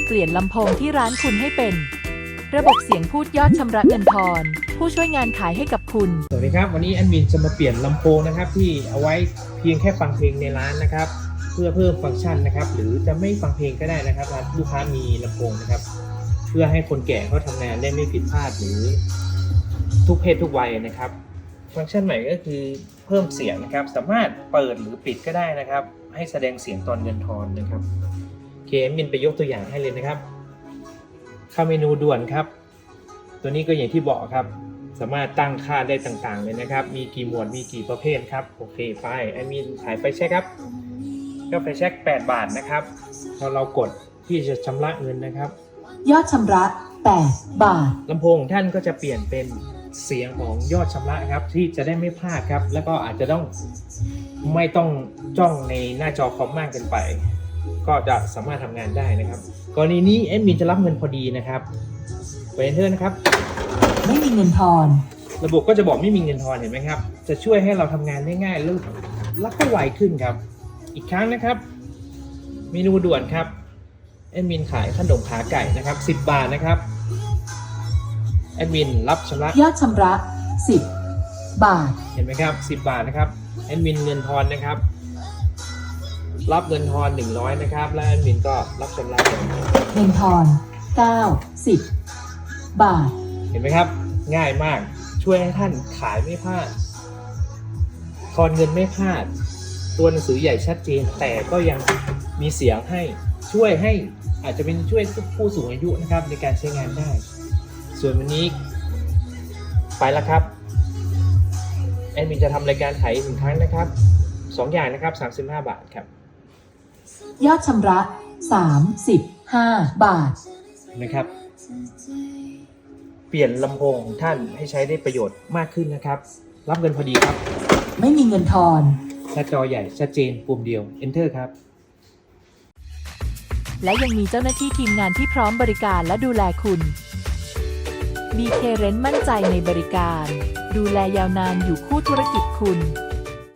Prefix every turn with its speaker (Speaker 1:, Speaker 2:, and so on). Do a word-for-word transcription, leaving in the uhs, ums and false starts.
Speaker 1: เปลี่ยนลำโพงที่ร้านคุณให้เป็นระบบเสียงพูดยอดชำระเงินทอนผู้ช่วยงานขายให้กับคุณ
Speaker 2: สวัสดีครับวันนี้แอดมินจะมาเปลี่ยนลำโพงนะครับที่เอาไว้เพียงแค่ฟังเพลงในร้านนะครับเพื่อเพิ่มฟังก์ชันนะครับหรือจะไม่ฟังเพลงก็ได้นะครับลูกค้ามีลำโพงนะครับเพื่อให้คนแก่เขาทำงานได้ไม่ผิดพลาดหรือทุกเพศทุกวัยนะครับฟังก์ชันใหม่ก็คือเพิ่มเสียงนะครับสามารถเปิดหรือปิดก็ได้นะครับให้แสดงเสียงตอนเงินทอนนะครับโอเคแอดมินไปยกตัวอย่างให้เลยนะครับเข้าเมนูด่วนครับตัวนี้ก็อย่างที่บอกครับสามารถตั้งค่าได้ต่างๆเลยนะครับมีกี่หมวดมีกี่ประเภทครับโอเคไฟแอดมินขายไฟแช็กครับก็ไฟแช็กแปดบาทนะครับพอเรากดที่จะชำระเงินนะครับ
Speaker 1: ยอดชำระแปดบาท
Speaker 2: ลำโพงของท่านก็จะเปลี่ยนเป็นเสียงของยอดชำระครับที่จะได้ไม่พลาดครับแล้วก็อาจจะต้องไม่ต้องจ้องในหน้าจอคอมมากเกินไปก็จะสามารถทำงานได้นะครับกรณีนี้แอดมินจะรับเงินพอดีนะครับไปเอนเตอร์นะครับ
Speaker 1: ไม่มีเงินทอน
Speaker 2: ระบบก็จะบอกไม่มีเงินทอนเห็นไหมครับจะช่วยให้เราทำงานได้ง่ายลื่นแล้วก็ไวขึ้นครับอีกครั้งนะครับเมนูด่วนครับแอดมินขายขนมขาไก่นะครับสิบบาทนะครับแอดมินรับชำระ
Speaker 1: ยอดชำระสิบบาท
Speaker 2: เห็นไหมครับสิบบาทนะครับแอดมินเงินทอนนะครับรับเงินทอนหนึ่งร้อยนะครับและแอดมินก็รับชำระ
Speaker 1: เงินทอนเก้าสิบบาท
Speaker 2: เห็นไหมครับง่ายมากช่วยให้ท่านขายไม่พลาดทอนเงินไม่พลาดตัวหนังสือใหญ่ชัดเจนแต่ก็ยังมีเสียงให้ช่วยให้อาจจะเป็นช่วยผู้สูงอายุนะครับในการใช้งานได้ส่วนวันนี้ไปแล้วครับแอดมินจะทำรายการขายสินค้านะครับสองอย่างนะครับสามสิบห้าบาทครับ
Speaker 1: ยอดชำระสามสิบห้าบาท
Speaker 2: นะครับเปลี่ยนลำโพงของท่านให้ใช้ได้ประโยชน์มากขึ้นนะครับรับเงินพอดีครับ
Speaker 1: ไม่มีเงินทอน
Speaker 2: หน้าจอใหญ่ชัดเจนปุ่มเดียว Enter ครับ
Speaker 1: และยังมีเจ้าหน้าที่ทีมงานที่พร้อมบริการและดูแลคุณ บี เค Rent มั่นใจในบริการดูแลยาวนานอยู่คู่ธุรกิจคุณ